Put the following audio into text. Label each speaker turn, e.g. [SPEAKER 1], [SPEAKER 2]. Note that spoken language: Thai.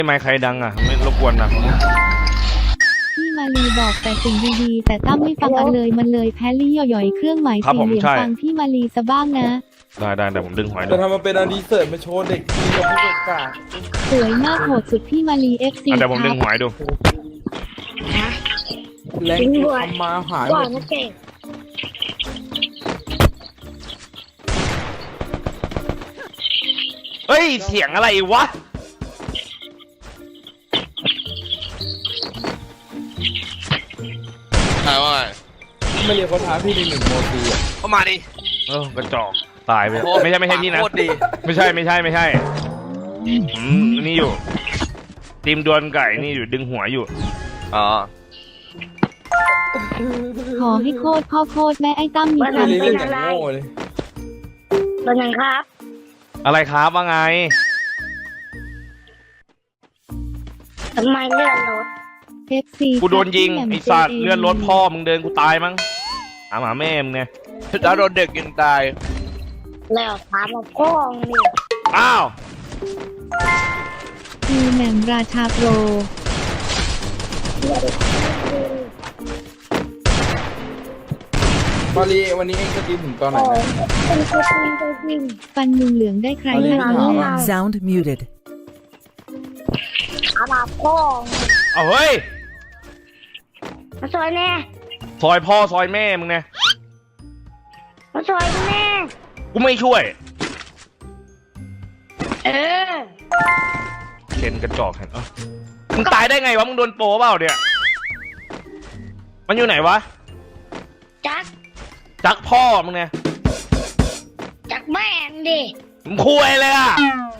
[SPEAKER 1] ไมค์ใครดังอ่ะไม่รบกวนนะ
[SPEAKER 2] พี่มาลีบอกแต่สิ่งดีๆแต่ตั้มไม่ฟังอันเลยมันเลยแพ้ลี่ย่อยๆเครื่องหมายสี่เหลี่ยมฟังพี่มาลีซะบ้างนะ
[SPEAKER 1] ได้แต่ผมดึงหอย
[SPEAKER 3] จะทำมาเป็นอดีเสิร์ตมาโชว์เด็กทีกับผู้ประกาศ
[SPEAKER 2] สวยมากโหดสุดพี่มาลีFC
[SPEAKER 1] แต่ผมดึงหอยดู
[SPEAKER 3] แรงทำมาหายหมด
[SPEAKER 1] เฮ้ยเสียงอะไรวะ
[SPEAKER 4] ใช่ว่า
[SPEAKER 3] ไม่เรียกเขาท้าพี่ใน1 โมตีอ่ะ
[SPEAKER 4] เข้ามาดิ
[SPEAKER 1] กระจอกตายไปไม่ใช่พี่นะไม่ใช่นี่อยู่ทีมดวลไก่นี่อยู่ดึงหัวอยู่
[SPEAKER 4] อ๋อ
[SPEAKER 2] ขอให้โคตรพ่อโคตรแม่ไอ้ตั้มมี
[SPEAKER 3] การเล่นอย่างโง่เลย
[SPEAKER 5] เป็นยังครับ
[SPEAKER 1] อะไรครับว่าไง
[SPEAKER 5] ทำไมเลื่อนรถ
[SPEAKER 2] FC
[SPEAKER 1] กูโดนยิงไอ้สัตว์เลื่อนรถพ่อมึงเดินกูตายมั้งหาแม่มึงไง
[SPEAKER 4] แล้วโดนเด็กยิงตาย
[SPEAKER 5] แล้วถามมาพ่อนี่
[SPEAKER 1] อ้าว
[SPEAKER 2] คือแหม่มราชาโปร
[SPEAKER 3] มาลีวันนี้เองจะกินถึงตอนไหน
[SPEAKER 2] ฟันมึงเหลืองได้ใคร
[SPEAKER 6] Sound muted
[SPEAKER 5] ถามมาพ่อ
[SPEAKER 1] เอาเฮ้ย
[SPEAKER 5] มาช่วยแน่
[SPEAKER 1] ซอยพ่อซอยแม่มึงไง
[SPEAKER 5] มาช่วยแม่
[SPEAKER 1] กูไม่ช่วยเข็นกระจอกเห็นมึงตายได้ไงวะมึงโดนโปเปล่าเนี่ยมันอยู่ไหนวะ
[SPEAKER 5] จัก
[SPEAKER 1] พ่อมึงไง
[SPEAKER 5] จักแม่ดิ
[SPEAKER 1] มึงคุยเลยอ่ะ